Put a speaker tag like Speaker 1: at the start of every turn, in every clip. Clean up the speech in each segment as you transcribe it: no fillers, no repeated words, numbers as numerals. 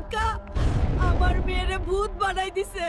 Speaker 1: হালকা আমার মেয়েরে ভূত বানাই দিছে।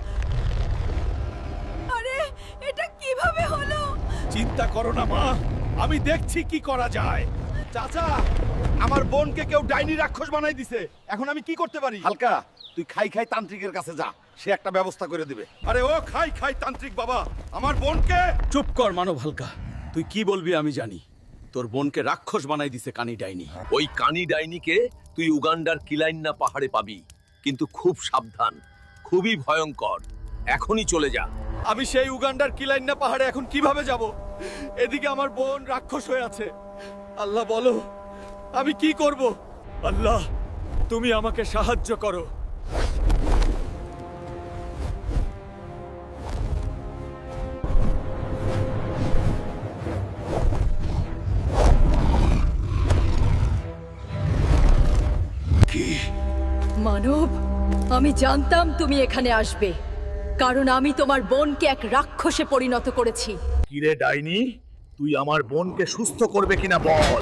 Speaker 1: আরে এটা কিভাবে হলো?
Speaker 2: চিন্তা করো না মা, আমি দেখছি কি করা যায়। চাচা, আমার বোনকে কেউ ডাইনি রাক্ষস বানাই দিছে, এখন আমি কি করতে পারি?
Speaker 3: হালকা, তুই খাই খাই তান্ত্রিকের কাছে যা, সে একটা ব্যবস্থা করে দিবে।
Speaker 2: আরে ও খাই খাই তান্ত্রিক বাবা, আমার বোনকে। চুপ কর মানব হালকা, তুই কি বলবি আমি জানি। তোর বোনকে রাক্ষস বানাই দিছে কানি ডাইনি।
Speaker 4: ওই কানি ডাইনিকে তুই উগান্ডার কিলাইন্না পাহাড়ে পাবি, কিন্তু খুব সাবধান, খুবই ভয়ঙ্কর। এখনই চলে যা।
Speaker 2: আমি সেই উগান্ডার কিলাইন্না পাহাড়ে এখন কিভাবে যাব? এদিকে আমার বোন রাক্ষস হয়ে আছে। আল্লাহ বলো, আমি কি করব? আল্লাহ, তুমি আমাকে সাহায্য করো।
Speaker 1: মানব, আমি জানতাম তুমি এখানে আসবে, কারণ আমি তোমার বোনকে এক রাক্ষসে পরিণত করেছি।
Speaker 3: কিরে ডাইনি, তুই আমার বোনকে সুস্থ করবে কিনা বল।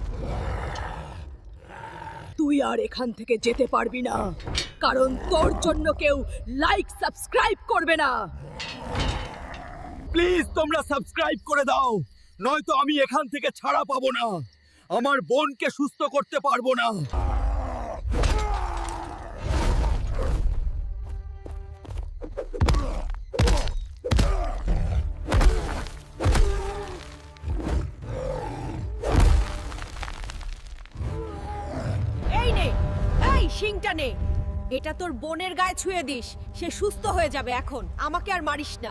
Speaker 1: তুই আর এখান থেকে যেতে পারবি না, কারণ তোর জন্য কেউ লাইক সাবস্ক্রাইব করবে না।
Speaker 2: প্লিজ তোমরা সাবস্ক্রাইব করে দাও, নয়তো আমি এখান থেকে ছাড়া পাবো না, আমার বোনকে সুস্থ করতে পারবো না।
Speaker 1: এই নে, এই শিংটা নে, এটা তোর বোনের গায়ে ছুঁয়ে দিস, সে সুস্থ হয়ে যাবে। এখন আমাকে আর মারিস না।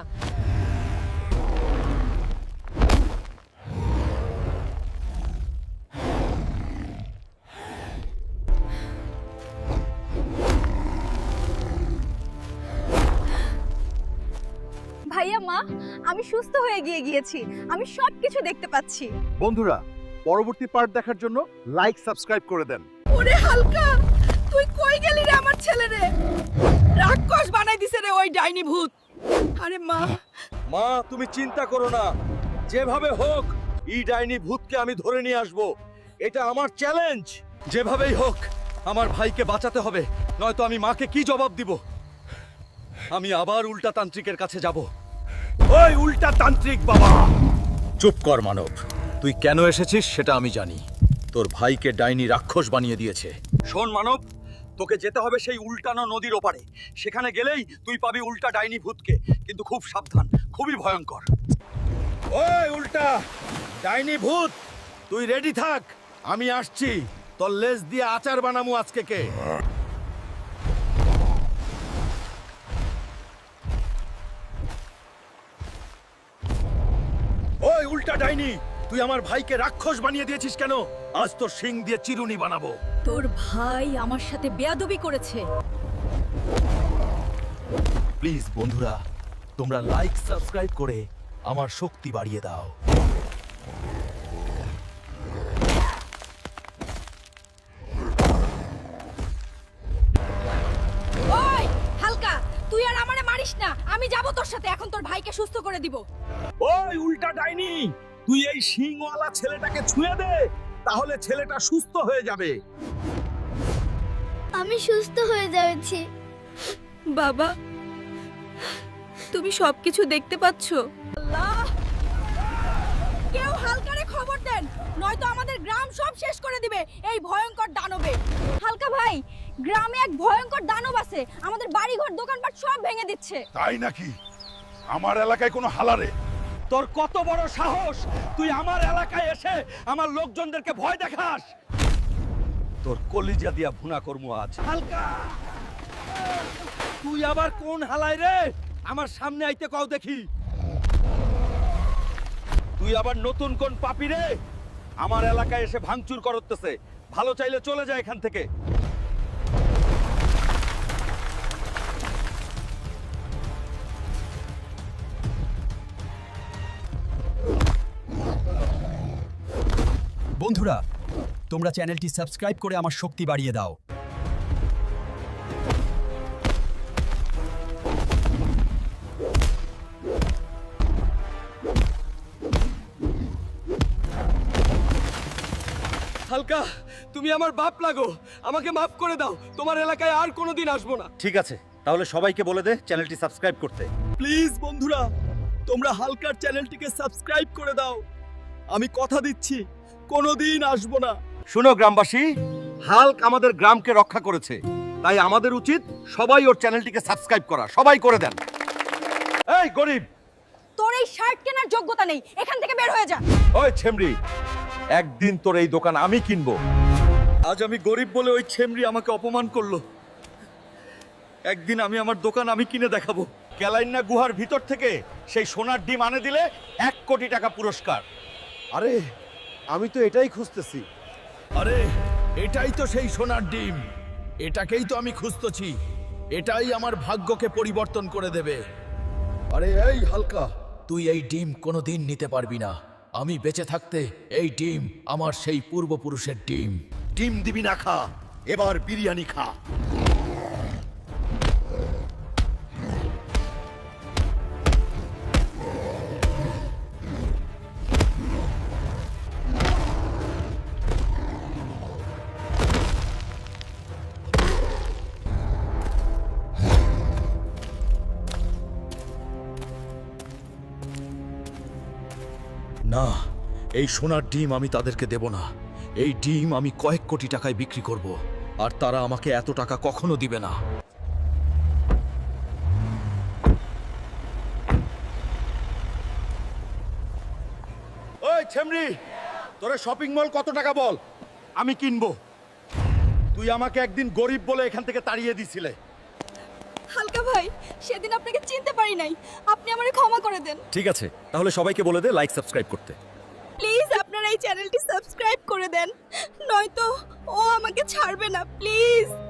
Speaker 5: ভাইয়া, মা, আমি সুস্থ হয়ে গিয়েছি। আমি সবকিছু দেখতে পাচ্ছি।
Speaker 3: বন্ধুরা, পরবর্তী পার্ট দেখার জন্য লাইক সাবস্ক্রাইব করে দেন।
Speaker 1: ওরে হালকা, তুই কই গেলি রে আমার ছেলে রে? রাক্ষস বানাই দিছে রে ওই ডাইনি ভূত। আরে মা,
Speaker 2: মা তুমি চিন্তা করো না, যেভাবে হোক এই ডাইনি ভূতকে আমি ধরে নিয়ে আসব। এটা আমার চ্যালেঞ্জ। যেভাবেই হোক আমার ভাইকে বাঁচাতে হবে, নয়তো আমি মাকে কি জবাব দিব? আমি আবার উল্টা তান্ত্রিকের কাছে যাব। ওই উল্টা তান্ত্রিক বাবা! চুপ কর মানব, তুই কেন এসেছিস সেটা আমি জানি। তোর ভাইকে ডাইনি রাক্ষস বানিয়ে দিয়েছে। শোন মানব, তোকে যেতে হবে সেই উল্টানো নদীর ওপারে। সেখানে গেলেই তুই পাবি উল্টা ডাইনি ভূতকে, কিন্তু খুব সাবধান, খুবই ভয়ঙ্কর। ওই উল্টা ডাইনি ভূত, তুই রেডি থাক, আমি আসছি। তোর লেজ দিয়ে আচার বানামু আজকে কে। ওই উল্টা ডাইনি, তুই আমার ভাইকে রাক্ষস বানিয়ে দিয়েছিস কেন? আজ তোর শিং দিয়ে চিরুনি বানাবো।
Speaker 1: তোর ভাই আমার সাথে বেয়াদবি করেছে।
Speaker 2: প্লিজ বন্ধুরা, তোমরা লাইক সাবস্ক্রাইব করে আমার শক্তি বাড়িয়ে দাও।
Speaker 1: ওই হালকা, তুই আর আমারে মারিস না, আমি যাব তোর সাথে। এখন তোর ভাইকে সুস্থ করে দিব।
Speaker 2: ওই উল্টা ডাইনি, তুই এই শিংওয়ালা ছেলেটাকে ছুঁয়ে দে, তাহলে ছেলেটা সুস্থ হয়ে যাবে।
Speaker 5: আমি সুস্থ হয়ে যাচ্ছি।
Speaker 1: বাবা, তুমি সবকিছু দেখতে পাচ্ছ? আল্লাহ, কেউ হালকারে খবর দেন, নয়তো আমাদের গ্রাম সব শেষ করে দিবে এই ভয়ঙ্কর দানবে।
Speaker 5: হালকা ভাই, গ্রামে এক ভয়ঙ্কর দানব আছে, আমাদের বাড়িঘর দোকানপাট সব ভেঙে দিচ্ছে।
Speaker 3: তাই নাকি? আমার এলাকায় কোনো হালারে?
Speaker 2: তোর কত বড় সাহস, তুই আমার এলাকায় এসে আমার লোকজনদেরকে ভয় দেখাস? তোর কলিজা দিয়া ভুনা করমু আজ। হালকা, তুই আবার কোন হালায় রে? আমার সামনে আইতে কও দেখি। তুই আবার নতুন কোন পাপি রে? আমার এলাকায় এসে ভাঙচুর করতেছে। ভালো চাইলে চলে যায় এখান থেকে।
Speaker 6: বন্ধুরা, তোমরা চ্যানেলটি সাবস্ক্রাইব করে আমার শক্তি বাড়িয়ে দাও।
Speaker 2: হালকা, তুমি আমার বাপ লাগো, আমাকে মাফ করে দাও, তোমার এলাকায় আর কোনোদিন আসবো না।
Speaker 3: ঠিক আছে, তাহলে সবাইকে বলে দে চ্যানেলটি সাবস্ক্রাইব করতে।
Speaker 6: প্লিজ বন্ধুরা, তোমরা হালকার চ্যানেলটিকে সাবস্ক্রাইব করে দাও। আমি কথা দিচ্ছি কোনোদিন আসবো না।
Speaker 2: শুনো গ্রামবাসী, হাল্ক আমাদের গ্রামকে রক্ষা করেছে, তাই আমাদের উচিত সবাই ওর চ্যানেলটিকে সাবস্ক্রাইব করা। সবাই করে দেন। এই গরিব,
Speaker 5: তোর এই শার্ট কেনার যোগ্যতা নেই, এখান থেকে বের হয়ে যা।
Speaker 2: ওই ছেমরি, একদিন তোর এই দোকান আমি কিনবো। আজ আমি গরিব বলে ওই ছেমরি আমাকে অপমান করলো, একদিন আমি আমার দোকান আমি কিনে দেখাবো।
Speaker 3: ক্যালাইন্না গুহার ভিতর থেকে সেই সোনার ডিম আনে দিলে 1 কোটি টাকা পুরস্কার।
Speaker 2: আরে আমি তো এটাই খুঁজতেছি।
Speaker 6: আরে এটাই তো সেই সোনার ডিম, এটাকেই তো আমি খুঁজতেছি। এটাই আমার ভাগ্যকে পরিবর্তন করে দেবে।
Speaker 2: আরে এই হালকা,
Speaker 6: তুই এই ডিম কোনোদিন নিতে পারবি না। আমি বেঁচে থাকতে এই ডিম আমার সেই পূর্বপুরুষের ডিম।
Speaker 3: ডিম দিবি না খা, এবার বিরিয়ানি খা।
Speaker 6: না, এই সোনার ডিম আমি তাদেরকে দেব না। এই ডিম আমি কয়েক কোটি টাকায় বিক্রি করব, আর তারা আমাকে এত টাকা কখনো দিবে না।
Speaker 3: ওই ছেমরি, তোরে শপিং মল কত টাকা বল, আমি কিনবো। তুই আমাকে একদিন গরিব বলে এখান থেকে তাড়িয়ে দিছিলে।
Speaker 1: হালকা ভাই, সেদিন আপনাকে চিনতে পারি নাই, আপনি আমারে ক্ষমা করে দেন।
Speaker 2: ঠিক আছে, তাহলে সবাইকে বলে দে লাইক সাবস্ক্রাইব করতে।
Speaker 1: প্লিজ আপনারা এই চ্যানেলটি সাবস্ক্রাইব করে দেন, নয়তো ও আমাকে ছাড়বে না, প্লিজ।